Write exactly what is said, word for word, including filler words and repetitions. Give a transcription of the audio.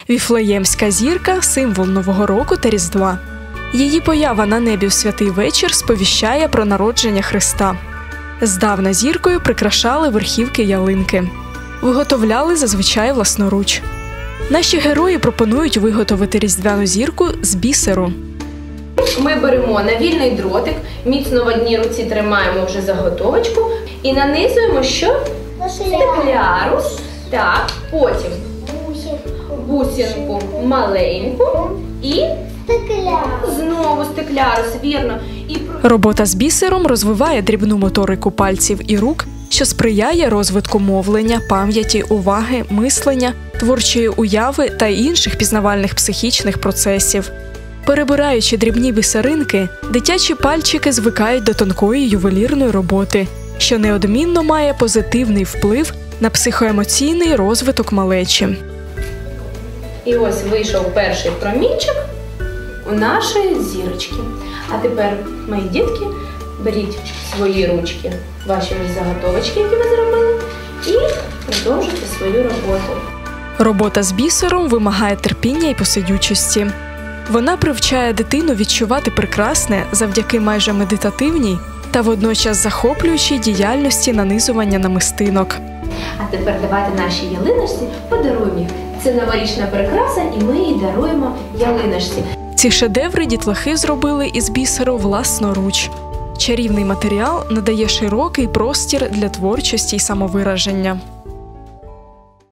Віфлеємська зірка – символ Нового року та Різдва. Її поява на небі в святий вечір сповіщає про народження Христа. Здавна зіркою прикрашали верхівки ялинки. Виготовляли зазвичай власноруч. Наші герої пропонують виготовити різдвяну зірку з бісеру. Ми беремо навільний дротик, міцно в одній руці тримаємо вже заготовочку і нанизуємо що? Стекляру. Так, потім бусинку маленьку і знову стеклярус, вірно. І... Робота з бісером розвиває дрібну моторику пальців і рук, що сприяє розвитку мовлення, пам'яті, уваги, мислення, творчої уяви та інших пізнавальних психічних процесів. Перебираючи дрібні бісеринки, дитячі пальчики звикають до тонкої ювелірної роботи, що неодмінно має позитивний вплив на психоемоційний розвиток малечі. І ось вийшов перший промінчик у нашої зірочки. А тепер, мої дітки, беріть свої ручки, ваші заготовочки, які ви зробили, і продовжуйте свою роботу. Робота з бісером вимагає терпіння і посидючості. Вона привчає дитину відчувати прекрасне завдяки майже медитативній та водночас захоплюючій діяльності нанизування намистинок. А тепер давайте нашій ялиночці подаруємо їх. Це новорічна прикраса, і ми її даруємо ялиночці. Ці шедеври дітлахи зробили із бісеру власноруч. Чарівний матеріал надає широкий простір для творчості й самовираження.